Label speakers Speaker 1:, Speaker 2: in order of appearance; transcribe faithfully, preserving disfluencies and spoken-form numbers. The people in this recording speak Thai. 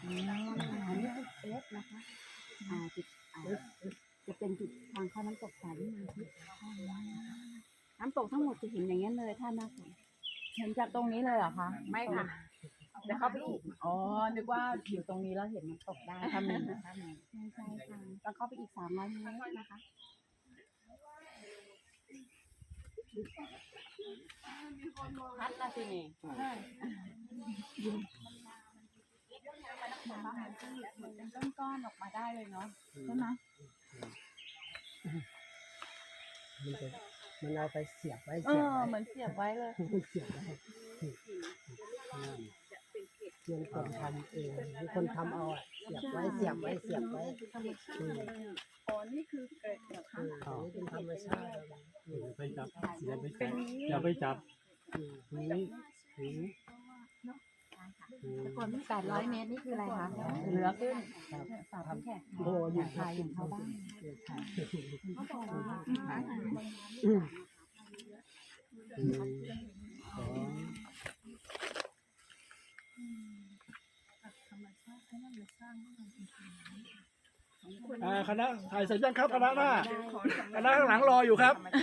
Speaker 1: อืมอันนี้คือเอสนะคะอ่าจุดอ่าจะเป็นจุดทางเข้าน้ำตกสายวิมานทิพย์น้ำตกทั้งหมดจะเห็นอย่างนี้เลยท่านหน้าฝน
Speaker 2: เห็นจากตรงนี้เลยเหรอคะ
Speaker 1: ไม่ค่ะ
Speaker 2: เดี๋ยวเข้าไปอีกอ๋อนึกว่าอยู่ตรงนี้แล้วเห็นมันตกได้ถ้ามีถ้ามี
Speaker 1: ใช่ใช่ค่ะต้องเข้าไปอีกสามร้อยเมตรนะคะ
Speaker 2: พัดละสินี่
Speaker 1: น้ำมันที่เหมือนเป็นก้อนๆออกมาได้เลยเนาะใช่ไหม
Speaker 3: มันจะมันเอาไปเสียบไว้
Speaker 2: เอ
Speaker 3: เสียบ
Speaker 2: อ
Speaker 3: ไว้
Speaker 2: เหมือนเสียบไว้เลย
Speaker 3: เสียบไว้เงินคนทำเองมีคนทำเอาอ่ะเสียบไว้เสียบไว้เสียบไว้
Speaker 1: อ๋อนี่คือเกล็ดเหรอคะ
Speaker 3: อันนี้เป็นธรรมชาติ
Speaker 4: อย่าไปจับอย่าไปจับอย่าไปจับนี้นี้
Speaker 1: แต่ก่อนที่แปดร้อยเมตรนี่คืออะไรคะ
Speaker 2: เหลือขึ้น
Speaker 1: สาวผู้แขก
Speaker 3: โอ้ย
Speaker 1: อย่างไทยอย่างชาวบ้าน
Speaker 3: เขาบอกว่า
Speaker 4: อ่าคณะถ่ายเสร็จยังครับคณะหน้าคณะข้างหลังรออยู่ครับ